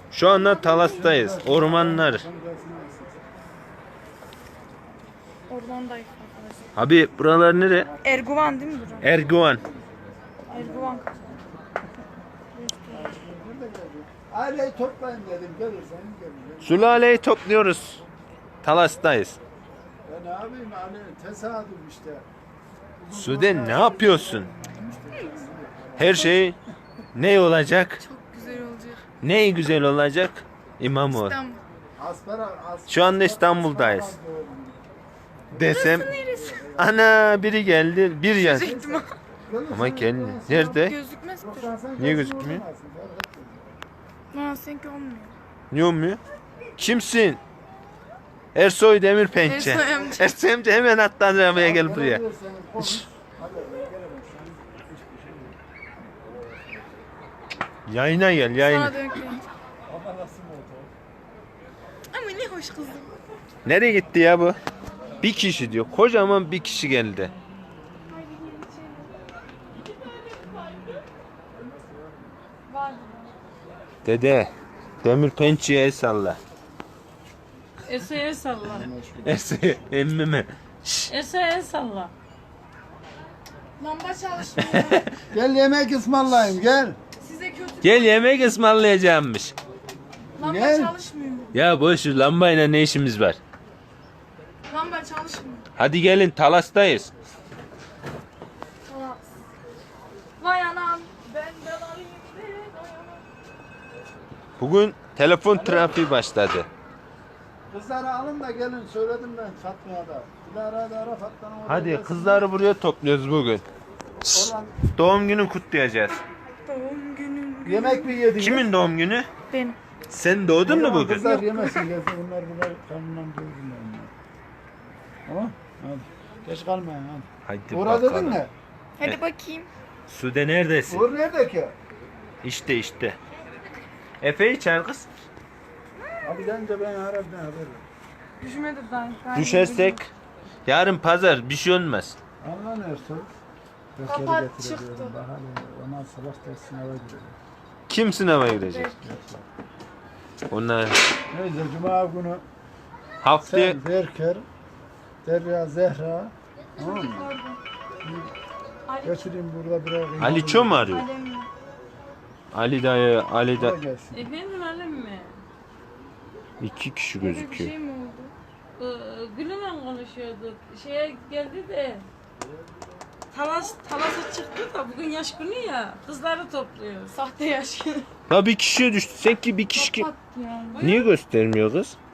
Şu anda Talas'tayız. Ormanlar. Ormandayız arkadaşlar. Abi buralar nere? Erguvan değil mi burası? Erguvan. Erguvan. Aileyi toplayın dedim, gelirsen gelin. Sülaleyi topluyoruz. Talas'tayız. Ya ne yapayım hani tesadüf işte. Sude ne yapıyorsun? Her şey ne olacak? Çok güzel olacak. Ne güzel olacak? İmamoğlu. İstanbul. Şu anda İstanbul'dayız. Desem ana biri geldi bir yaz. Ama kendi nerede? Gözükmezdir. Niye gözükmüyor? Aa, seninki olmuyor. Niye olmuyor? Kimsin? Ersoy Demirpençe. Ersoy amca. Ersoy amca hemen atla arabaya gel buraya. Yayına gel yayına. Sana dönüyor. Ama ne hoş kızım. Nereye gitti ya bu? Bir kişi diyor. Kocaman bir kişi geldi. Dede. Demirpençe'ye el salla. Ese'ye salla. Ersoy emmime. Ese'ye salla. Lamba çalışmıyor. Gel yemek ısmarlayayım gel. Size kötü. Gel yemek ısmarlayacağımmış. Lamba Gel. çalışmıyor. Ya boş ver, lambayla ne işimiz var? Lamba çalışmıyor. Hadi gelin Talas'tayız. Tamam. Vay anam. Benden alayım be. Vay anam. Bugün telefon trafiği başladı. Kızları alın da gelin söyledim ben Fatma'ya da. Dilara'ya da ara Fatma'nın oraya Hadi gelsin. kızları buraya topluyoruz bugün. Oradan Doğum günü kutlayacağız. Doğum günüm. yemek mi yedin? Kimin doğum günü? Benim. Sen doğdun mu bugün? Kızlar yemesin gelsin bunlar kanından doyursunlar bunlar. Tamam hadi. Geç kalmayın hadi. Hadi Uğra dedin bakalım. mi? Hadi bakayım. Sude neredesin? Uğur nerede ki? İşte. Efe'yi çağır kız. Abi gelince ben aradım haber. Düşmedi daha. Düşersek yarın pazar bir şey olmaz. Allah ne olsun? Kapat, çıktı. Ondan sabah da sınava girelim. Kim sınava girecek? Onlar Neyse cuma günü haftaya sen Berker, Derya, Zehra. Tamam mı? Götüreyim burada biraz. Ali Ço mu arıyor? Ali dayı, Ali da Gelsin. Efendim hanım mı? 2 kişi Bir gözüküyor. şey mi oldu? Gül'le konuşuyorduk. Şeye geldi de Talas'a çıktı da bugün yaş günü ya. Kızları topluyor. Sahte yaş. Ha bir kişiye düştü. Sen ki bir kişi Kapat ya. niye göstermiyor kız?